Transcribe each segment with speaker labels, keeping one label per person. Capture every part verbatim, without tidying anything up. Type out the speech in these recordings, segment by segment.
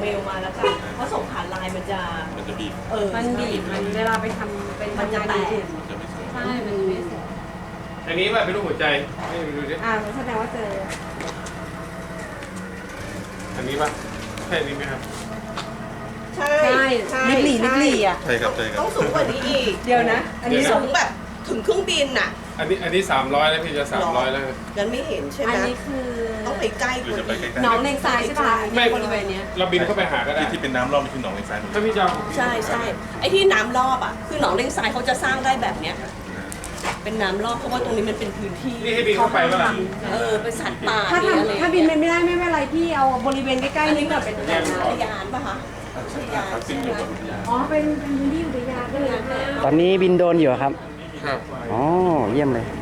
Speaker 1: เมลมาแล้วกันเพราะส่งผ่านไลน์มันจะ
Speaker 2: มันจะบีบ
Speaker 1: เออ
Speaker 3: มันบีบมันเวลาไปทำเป็นมันจะแตกใช่มันไม่สวย
Speaker 4: อันนี้แบบเป็นรูปหัวใจให้ดูดิ
Speaker 3: อ่าแสดงว่าเจอ
Speaker 4: อันนี้ป่ะใช่นี้ไหมครับ
Speaker 1: ใช่
Speaker 3: ใช่ลิบหลี่ลิบหลี่อ่ะ
Speaker 2: ใช่ครับใช่ครับ
Speaker 1: ต้องสูงกว่านี้อีก
Speaker 3: เดี๋ยวนะ
Speaker 1: อันนี้สูงแบบถึงเครื่องบินน่ะ
Speaker 4: อันนี้อันนี้สามร้อยแล้วพี่จะสามร้อยแล้ว
Speaker 1: งั้นไม่เห็นใช่ไหม
Speaker 3: อันนี้คือ
Speaker 1: ต้องไปใกล้กว่านี้
Speaker 3: น้องเลงทรายใช่ป่ะ
Speaker 4: ไม่
Speaker 3: บริเวณนี้
Speaker 4: เราบินเข้าไปหาก็ได้
Speaker 2: ที่เป็นน้ำรอบมันคือหนองเลงทราย
Speaker 4: ถ้าพี่จะ
Speaker 1: ใช่ใช่ไอ้ที่น้ำรอบอ่ะคือหนองเลงทรายเขาจะสร้างได้แบบเนี้ยเป็นน้ำรอบเพราะว่าตรงนี้มันเป็นพื้นที่
Speaker 4: นี่ให้บินเข้าไปว่า
Speaker 1: เออเป็นสัตว์ป่า
Speaker 3: ถ้า
Speaker 1: อะไร
Speaker 3: ถ้าบินไม่ได้ไม่เป็นไรพี่เอาบริเวณใกล้ๆนี้ก่อนเป็นอุทยาน
Speaker 1: อุทยานป่ะคะอุทยาน
Speaker 2: ซึ่งอยู่กับอุทยาน
Speaker 3: อ๋อเป็นเป็นพื้นที่อุทยานด้วยนะ
Speaker 5: ตอนนี้บินโดรนอยู่ครับ
Speaker 4: ครับ
Speaker 5: อ๋อเยี่ยมเลย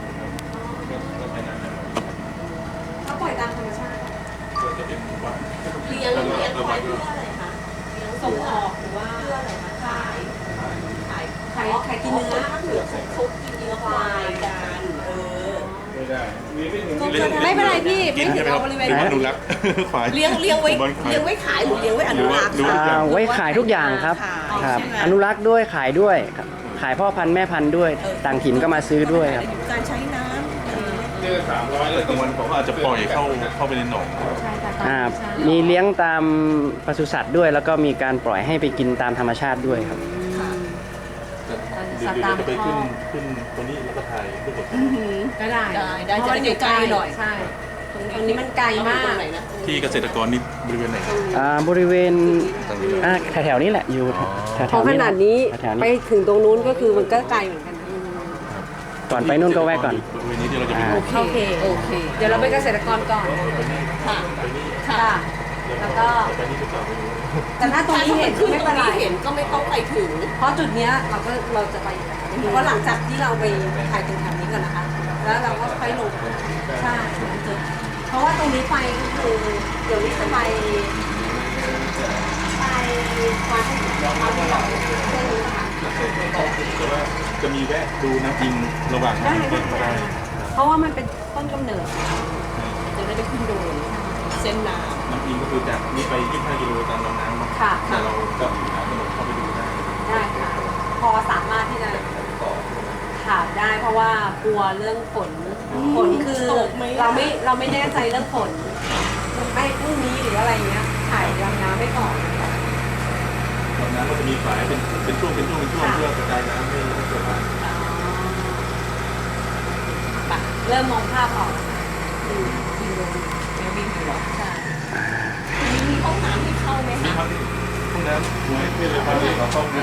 Speaker 3: เขาปล่อยตามธรรมชาติ
Speaker 1: เลี้ยงเลี้ยงไว้เพื่ออะไรคะเลี้ยงส่งออกหรือว่าเพื่ออะไรคะขายขาย
Speaker 3: ขายขายกินเนื้อ
Speaker 1: ถ้าเผื่อเขากินเนื้อควายกันเออ
Speaker 4: ไม่ได้มีไม่ถึง
Speaker 3: ไม่เป็นไรพี่ไม่ถึงเอาบริเวณ
Speaker 2: อนุรักษ์ควาย
Speaker 1: เลี้ยงเลี้ยงไว้เลี้ยงไว้ขายหรือเลี้ยงไว้อนุรักษ์
Speaker 5: ไว้ขายทุกอย่างครับครับอนุรักษ์ด้วยขายด้วยขายพ่อพันธุ์แม่พันธุ์ด้วยต่างถิ่นก็มาซื้อด้วยครับ
Speaker 1: การใช้น้ำ
Speaker 4: เดือนสามร้อย
Speaker 2: แต่กลางวันผมอาจจะปล่อยเข้าเข้าไปในหนอง
Speaker 5: อ่ามีเลี้ยงตามปศุสัตว์ด้วยแล้วก็มีการปล่อยให้ไปกินตามธรรมชาติด้วยครับ
Speaker 2: เดี๋ยวเราจะไปขึ้นขึ้นตรงนี้แล้วก็ถ่ายรูปกับ
Speaker 3: ก็ได้
Speaker 1: ได้ได้จะได้ไกลหน่อย
Speaker 3: ใช่ตรงนี้มันไกลมาก
Speaker 2: ที่เกษตรกรนี่บริเวณไหน
Speaker 5: อ่าบริเวณอ่าแถวๆนี้แหละอยู่แถวๆนี้
Speaker 3: เพราะขนาดนี้ไปถึงตรงนู้นก็คือมันก็ไกลเหมือนกัน
Speaker 5: ก่อนไปนู่นก็แวะก่อน
Speaker 2: บริเวณนี้ที่เราจะไป
Speaker 3: โอเคโอเคเดี๋ยวเราไปเกษตรกรก่อน
Speaker 1: ค่ะ
Speaker 3: ค่ะแล้วก็แต่ถ้าตรงนี้เห็นไม่เป็นไร
Speaker 1: เห็นก็ไม่ต้องไปถึง
Speaker 3: เพราะจุดเนี้ยเราก็เราจะไปเพราะหลังจากที่เราไปถ่ายตรงแถวนี้ก่อนนะคะแล้วเราก็ค่อยลงใช่จุดเพราะว่าตรงนี้ไปก็คือเดี๋ยวนี้จะไปไปวัดเขาที่เราเส้นนี้ค่ะ
Speaker 2: จะมีแวะดูน้ำจริงระหว่าง
Speaker 3: ได้ได้เพราะว่ามันเป็นต้นกำเนิด
Speaker 1: จะได้ไปขึ้นโดนเส้นน้ำ
Speaker 2: น้ำจริงก็คือจากนี้ไปยี่สิบห้ากิโลตามลำน้ำมาแต่เราก็หาถนนเข้าไปดูได้
Speaker 3: ได้ค่ะพอสามารถที่จะถามได้เพราะว่ากลัวเรื่องฝนฝนคือเราไม่เราไม่แน่ใจเรื่องฝนไม่พรุ่งนี้หรืออะไรเงี้ยถ่ายลำน้ำไม่ก่อน
Speaker 2: ลำน้ำก็จะมีฝายเป็นเป็นช่วงเป็นช่วงเป็นช่วงเพื่อกระจายน้ำให้เกิดมา
Speaker 3: เริ่มมองภาพออก
Speaker 1: ใช่มีห้องน้ำที่เข้าไหมคะ
Speaker 2: ห้องน้ำสวยไม่เลยพาไปขอเข้านะ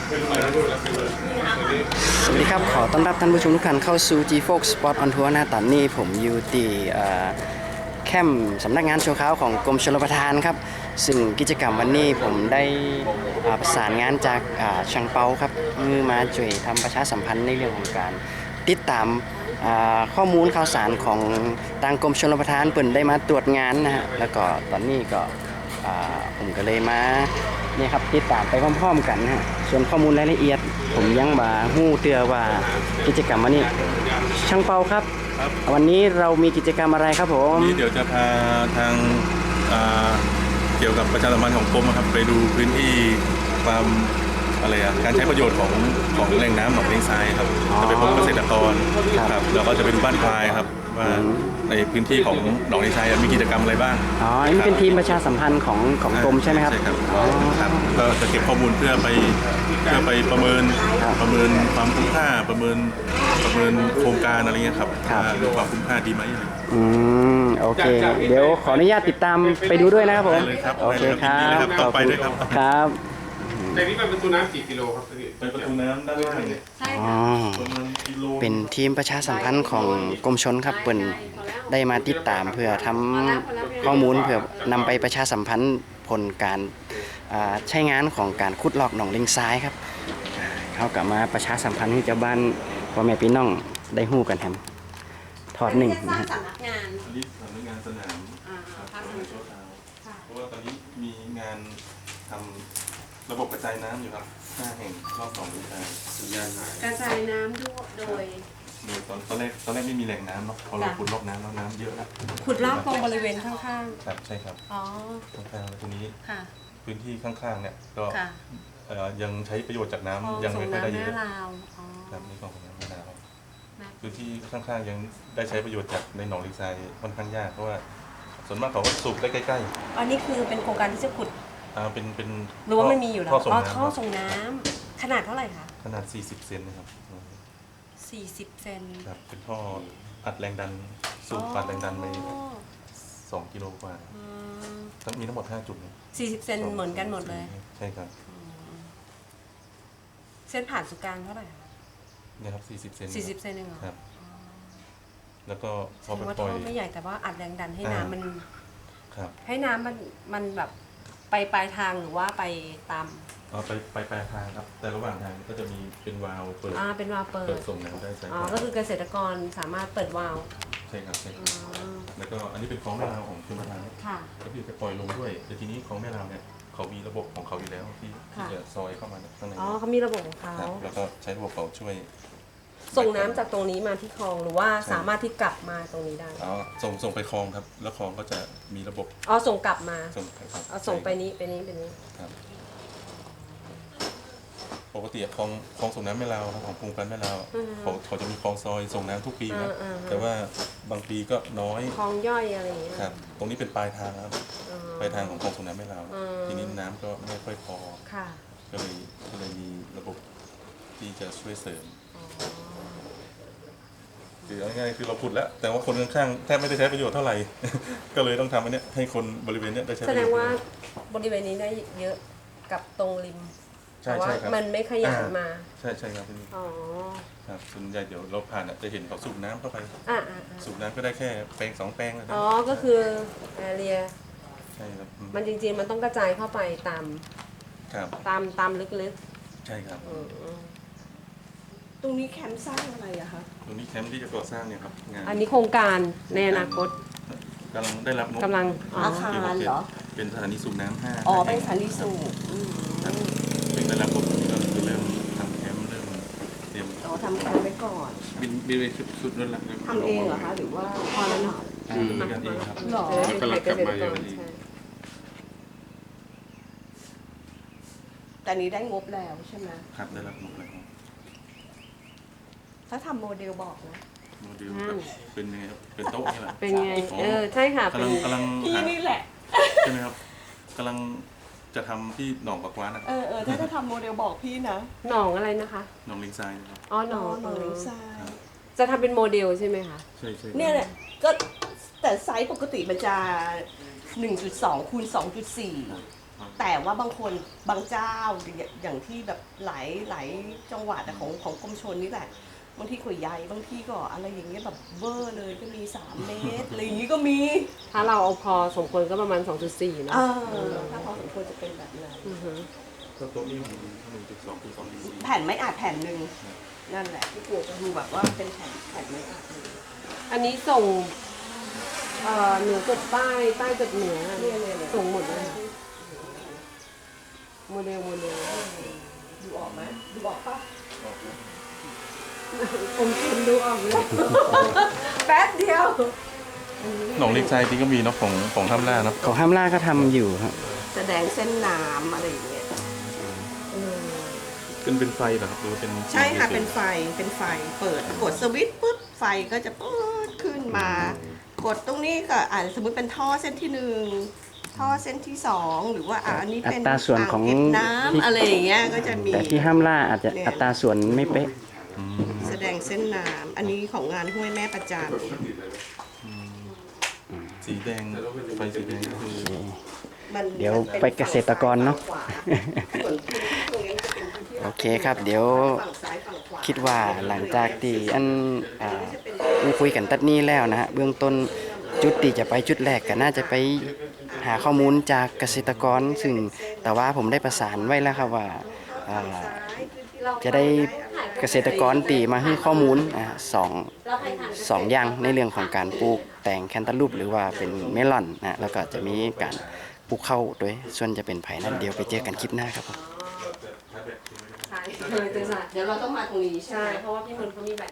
Speaker 5: สวัสดีครับขอต้อนรับท่านผู้ชมทุกท่านเข้าสู่ G Fox Spot on Tour หน้าตอนนี้ผมอยู่ที่แคมป์สำนักงานชั่วคราวของกรมชลประทานครับซึ่งกิจกรรมวันนี้ผมได้ประสานงานจากช่างเปาครับมือมาช่วยทำประชาสัมพันธ์ในเรื่องของการติดตามข้อมูลข่าวสารของทางกรมชลประทานเปิ่นได้มาตรวจงานนะฮะแล้วก็ตอนนี้ก็ผมก็เลยมาเนี่ยครับติดตามไปพร้อมๆกันนะฮะส่วนข้อมูลรายละเอียดผมยังบ่ฮู้เตือว่ากิจกรรมวันนี้ช่างเปาครับวันนี้เรามีกิจกรรมอะไรครับผม
Speaker 2: นี่เดี๋ยวจะพาทางเกี่ยวกับประชาสัมพันธ์ของกรมครับไปดูพื้นที่ความอะไรอ่ะการใช้ประโยชน์ของของแหล่งน้ำหนองเลงทรายครับจะไปพบเกษตรกรครับแล้วก็จะไปดูบ้านควายครับว่าในพื้นที่ของหนองเลงทรายมีกิจกรรมอะไรบ้าง
Speaker 5: อ๋อนี่เป็นทีมประชาสัมพันธ์ของของกรมใช่ไหมครับ
Speaker 2: ใช่ครับครับก็จะเก็บข้อมูลเพื่อไปเพื่อไปประเมินประเมินความคุ้มค่าประเมินประเมินโครงการอะไรเงี้ยครับว่าความคุ้มค่าดีไหม
Speaker 5: อืมโอเคเดี๋ยวขออนุญาตติดตามไปดูด้วยนะครับผมโอเคครับ
Speaker 2: ต่อไปด้วยครับ
Speaker 5: ครับ
Speaker 4: ในนี้เป็นประตูน้ำกี่กิโลครับพี่
Speaker 2: เป็นประตูน้ำด้านล่าง
Speaker 3: ใช่ค่ะ
Speaker 5: เป็นทีมประชาสัมพันธ์ของกรมชลครับเปิ่นได้มาติดตามเพื่อทำข้อมูลเพื่อนำไปประชาสัมพันธ์ผลการใช้งานของการขุดลอกหนองเลงทรายครับเขากลับมาประชาสัมพันธ์ให้เจ้าบ้านพ่อแม่พี่น้องได้ฮู้กันแฮมถอดหนึ่งนะฮะ
Speaker 2: สำนักงานสำนักงานสนามเพราะว่าตอนนี้มีงานทำระบบกระจายน้ำอยู่ครับห้าแห่งรอบสองกระจายสัญญาณหาย
Speaker 3: กระจายน้ำด้วยโดย
Speaker 2: ตอนตอนแรกตอนแรกไม่มีแหล่งน้ำเนาะพอเราขุดลอกน้ำแล้วน้ำเยอะแล้ว
Speaker 3: ขุดลอกตรงบริเวณข้าง
Speaker 2: ๆครับใช่ครับ
Speaker 3: อ๋อ
Speaker 2: ตรงกลางแล้วทีนี้
Speaker 3: ค่ะ
Speaker 2: เพื้นที่ข้างๆเนี่ยก็
Speaker 3: ค่ะ
Speaker 2: เอ่อยังใช้ประโยชน์จากน้ำ
Speaker 3: คลอง
Speaker 2: ยัง
Speaker 3: ส่
Speaker 2: ไม่
Speaker 3: ง
Speaker 2: ค่อยได้
Speaker 3: น้ำ
Speaker 2: เย
Speaker 3: แม่
Speaker 2: อะ
Speaker 3: ลาวอ๋อ
Speaker 2: ครับนี่ของน้ำแม่ลาว
Speaker 3: แม่
Speaker 2: พื้นที่ข้างๆยังได้ใช้ประโยชน์จากในหนองลิงทรายค่อนข้างยากเพราะว่าส่วนมากเขาก็สูบได้ใกล้
Speaker 3: อันนี้คือเป็นโครงการที่จะขุด
Speaker 2: ๆอ่าเป็นเป็น
Speaker 3: หรือว่ามันมีอยู่แล้ว
Speaker 2: ท่อส่ง
Speaker 3: อ๋อ
Speaker 2: น้ำ
Speaker 3: ท่อ
Speaker 2: ครับ
Speaker 3: ส่งน้ำขนาดเท่าไหร่คะ
Speaker 2: ขนาดสี่สิบเซนนะครับ
Speaker 3: สี่สิบเซน
Speaker 2: ครับเป็นท่ออัดแรงดันสูบอัดแรงดันไปสองกิโลกว่า
Speaker 3: อืม
Speaker 2: ทั้งมีทั้งหมดห้าจุดนะ
Speaker 3: สี่สิบเซนเหมือนกันหมดเลย
Speaker 2: ใช่ครับ
Speaker 3: เส้นผ่านศูนย์กลางเท่าไหร่คะ
Speaker 2: เนี่ยครับสี่สิบเซน
Speaker 3: สี่สิบเซนเองเหรอ
Speaker 2: ครับ แล้วก็พ
Speaker 3: แส
Speaker 2: อ
Speaker 3: ด
Speaker 2: ไป
Speaker 3: งว่า
Speaker 2: ปล่
Speaker 3: ท่
Speaker 2: อย
Speaker 3: อไม่ใหญ่แต่ว่าอัดแรงดันให้
Speaker 2: อ่า
Speaker 3: น้ำมัน
Speaker 2: ครับ
Speaker 3: ให้น้ำมันมันแบบไปปลายทางหรือว่าไปตาม
Speaker 2: เอาไปไปปลายทางครับ แต่ระหว่างทางก็จะมีเป็นวาล์วเปิด
Speaker 3: อ่าเป็นวาล์วเปิ
Speaker 2: เปิ
Speaker 3: ด
Speaker 2: ดส่งน้ำได้ใช่
Speaker 3: อ๋อ
Speaker 2: ครับ
Speaker 3: ก็คือเกษตรกรสามารถเปิดวาล์ว
Speaker 2: ใช่ครับใช่ค
Speaker 3: อ๋
Speaker 2: รับ
Speaker 3: อ
Speaker 2: แล้วก็อันนี้เป็นคลองแม่ลาวของชลประทาน
Speaker 3: ค่ะ
Speaker 2: ก็คือจะปล่อยลงด้วยแต่ทีนี้คลองแม่ลาวเนี่ยเขามีระบบของเขาอยู่แล้วที่ที่
Speaker 3: ค่ะ
Speaker 2: จะซอยเข้ามาข้างใน
Speaker 3: อ๋อเขามีระบบของเขา
Speaker 2: ครับแล้วก็ใช้ระบบเขาช่วย
Speaker 3: ส่งน้ำจากตรงนี้มาที่คลองหรือว่าสามารถที่กลับมาตรงนี้ได้
Speaker 2: เอาส่งส่งไปคลองครับ แล้วคลองก็จะมีระบบ
Speaker 3: อ๋อส่งกลับมา
Speaker 2: ส่งไปครับ
Speaker 3: เอาส่งไปนี้ไปนี้ไปนี้
Speaker 2: ครับปกติคลองคลองส่งน้ำแม่ลาวครับของกรุงกันแม่ลาวเขาเขาจะมีคลองซอยส่งน้ำทุกปีครับ
Speaker 3: อ่าๆๆ
Speaker 2: แต่ว่าบางปีก็น้อย
Speaker 3: คลองย่อยอะไรอย่างเงี้ย
Speaker 2: ครับ ตรงนี้เป็นปลายทางครับ
Speaker 3: อ๋อ
Speaker 2: ปลายทางของคลองส่งน้ำแม่ลาว
Speaker 3: อืม
Speaker 2: ทีนี้น้ำก็ไม่ค่อยพอ
Speaker 3: ค่ะ
Speaker 2: ก็เลยก็เลยมีระบบที่จะช่วยเสริม
Speaker 3: อ๋อ
Speaker 2: คือเอาง่ายๆคือเราขุดแล้ว แต่ว่าคนข้างๆแทบไม่ได้ใช้ประโยชน์เท่าไหร่ ก็เลยต้องทำอันเนี้ยให้คนบริเวณเนี้ยได้ใช้ป
Speaker 3: แส
Speaker 2: ระ
Speaker 3: ด
Speaker 2: โย
Speaker 3: ง
Speaker 2: ชน์
Speaker 3: ว่าบริเวณนี้ได้เยอะกับตรงริม
Speaker 2: ใช่
Speaker 3: แต่ว่า
Speaker 2: ใช่ครับ
Speaker 3: มันไม่ขยายมา
Speaker 2: ใช่ใช่ครับพี่
Speaker 3: อ๋อ
Speaker 2: ครับส่วนใหญ่เดี๋ยวเราผ่านอ่ะจะเห็นเขาสูบน้ำเข้าไป
Speaker 3: อ่าอ่า
Speaker 2: สูบน้ำก็ได้แค่แปลงสองแปลงนะครั
Speaker 3: อ๋
Speaker 2: บ
Speaker 3: อ ก็คือแอเรีย
Speaker 2: ใช่ครับอืม
Speaker 3: มันจริงๆ มันต้องกระจายเข้าไปตาม
Speaker 2: ครับ
Speaker 3: ตามตามลึก
Speaker 2: ใช่ครับ
Speaker 3: ๆอืม
Speaker 1: ตรงนี้แคมป์สร้างอะไรอะคะ
Speaker 2: ตรงนี้แคมป์ที่จะก่อสร้างเนี่ยครับงาน
Speaker 3: อันนี้โครงการในอนาคต
Speaker 2: กำลังได้รับงบ
Speaker 3: กำลังอ๋อ
Speaker 1: อาคารเหรอ
Speaker 2: เป็นสถานีสูบน้ำห้า
Speaker 1: อ๋อเป็นสถานีสูบอืม
Speaker 2: ครับเป็นได้รับงบตรงนี้ก็คือเริ่มทำแคมป์เริ่มเตรียม
Speaker 1: อ๋อทำแคมป์ไว้ก่อน
Speaker 2: บินบินไปสุดนั่นแหละ
Speaker 1: ทำเองเหรอคะ หรือว่า
Speaker 3: พอแล้วเนาะ
Speaker 2: ทำด้วยกันเองครับ
Speaker 1: หรอ
Speaker 3: จะได้เป็นเกษตรกรใช่
Speaker 1: แต่นี้ได้งบแล้วใช่ไหม
Speaker 2: ครับได้รับงบแล้ว
Speaker 1: ถ้าทำโมเดลบอกนะ
Speaker 2: โมเดลแบบเป็นยังไงครับเป็นโต๊ะนี่แหละ
Speaker 3: เป็นไง เออ ใช่ค่ะ
Speaker 2: กำ
Speaker 3: เป็
Speaker 2: ลั
Speaker 3: น
Speaker 2: งกำลัง
Speaker 1: พี่
Speaker 2: หา
Speaker 1: นี่แหละ
Speaker 2: ใช่ไหมครับกำลังจะทำที่หนองปากกวานนะ
Speaker 1: เออเออถ้าจะทำโมเดลบอกพี่นะ
Speaker 3: หนองอะไรนะคะ
Speaker 2: หนองลิงทรายนะครับ
Speaker 3: อ๋อ หน
Speaker 1: น้
Speaker 3: อ
Speaker 1: อง งหนองเลงทราย
Speaker 3: จะทำเป็นโมเดลใช่ไหมคะ
Speaker 2: ใช่ใช่
Speaker 1: เนี่ยแหละก็แต่ไซส์ปกติมันจะ หนึ่งจุดสอง คูณ สองจุดสี่ แต่ว่าบางคนบางเจ้าอย่างอย่างที่แบบหลายหลายจังหวัดอะของของกรมชลนี่แหละ บางที่ก็ใหญ่บางที่ก็อะไรอย่างเงี้ยแบบเบอร์เลยก็มีสามเมตรอะไรอย่างงี้ก็มี
Speaker 3: ถ้าเราเอาพอสมควรก็ประมาณ สองจุดสี่ เนอะ
Speaker 1: เออถ้าพอสมควรจะเป็นแบบนั้น
Speaker 3: อือฮึ
Speaker 2: ก็โต๊ะนี้มันหนึ่งจุดสองคูณสองจุดสี่
Speaker 1: แผ่นไม้อัดแผ่นหนึ่งนั่นแหละที่ปลูกก็คือแบบว่าเป็นแผ่นแผ่นไม้อัดเลย
Speaker 3: อันนี้ส่งเอ่อเหนือจดใต้ใต้จดเหนือ
Speaker 1: เนี่ยเนี่ยเนี่ย
Speaker 3: ส่งหมดเลยโมเดลโมเดล
Speaker 1: ดูออกไหมดูออกปะ
Speaker 3: ผมคุณดูออกเลยแป๊บเดียว
Speaker 2: หนองลิงทรายจริงก็มีเนาะของของท่ามล่าเนาะ
Speaker 5: ของห้ามล่าก็ทำอยู่ครับ
Speaker 1: แสดงเส้นน้ำอะไรอย่างเงี้ย
Speaker 2: เป็นเป็นไฟเหรอครับหรือว่าเป็น
Speaker 1: ใช่ค่ะเป็นไฟเป็นไฟเปิดกดสวิตช์ปุ๊บไฟก็จะปื๊ดขึ้นมา กดตรงนี้ก็อ่าสมมติเป็นท่อเส้นที่หนึ่งท่อเส้นที่สองหรือว่าอ่าอันนี้เป็น
Speaker 5: อัตราส่วนของ
Speaker 1: างเก็บน้ำอะไรอย่างเงี้ยก็จะมี
Speaker 5: แต่ที่ห้ามล่าอาจจะ
Speaker 1: เนี่ย
Speaker 5: อัตราส่วนไม่เป๊ะ
Speaker 2: อืม
Speaker 1: แสดงเส้นน้ำอันนี้ของงานห้วยแม่ประจัน
Speaker 2: สีแดงไฟสีแดงก็คือ
Speaker 1: มัน
Speaker 5: เดี๋ยว
Speaker 1: มัน
Speaker 5: ไปเกษตรกรเนอะ
Speaker 1: ส่วนพื้นที่ตรงนี้จะเป็นพื้นที่
Speaker 5: โอเคครับ เดี๋ยว
Speaker 1: ฝั่งซ้ายฝั่งขวา
Speaker 5: คิดว่าหลังจากที่อันอ่าคุยกันตัดนี้แล้วนะฮะเบื้องต้นจุดที่จะไปจุดแรกก็น่าจะไปหาข้อมูลจากเกษตรกร ซึ่งแต่ว่าผมได้ประสานไว้แล้วครับว่าอ่าจะได้เกษตรกรตีมาให้ข้อมูลอ่าสองสองอย่างในเรื่องของการปลูกแตงแคนตาลูปหรือว่าเป็นเมลอนนะแล้วก็จะมีการปลูกข้าวด้วยส่วนจะเป็นไผ่นั้นเดี๋ยวไปเจอกันคลิปหน้าครับผม
Speaker 3: ใช่เลยตัวสาย
Speaker 1: เดี๋ยวเราต้องมาตรงนี้ใช่
Speaker 3: ใช่
Speaker 1: ไหม
Speaker 3: เพราะว่าพี่มนต์เขามีแบบ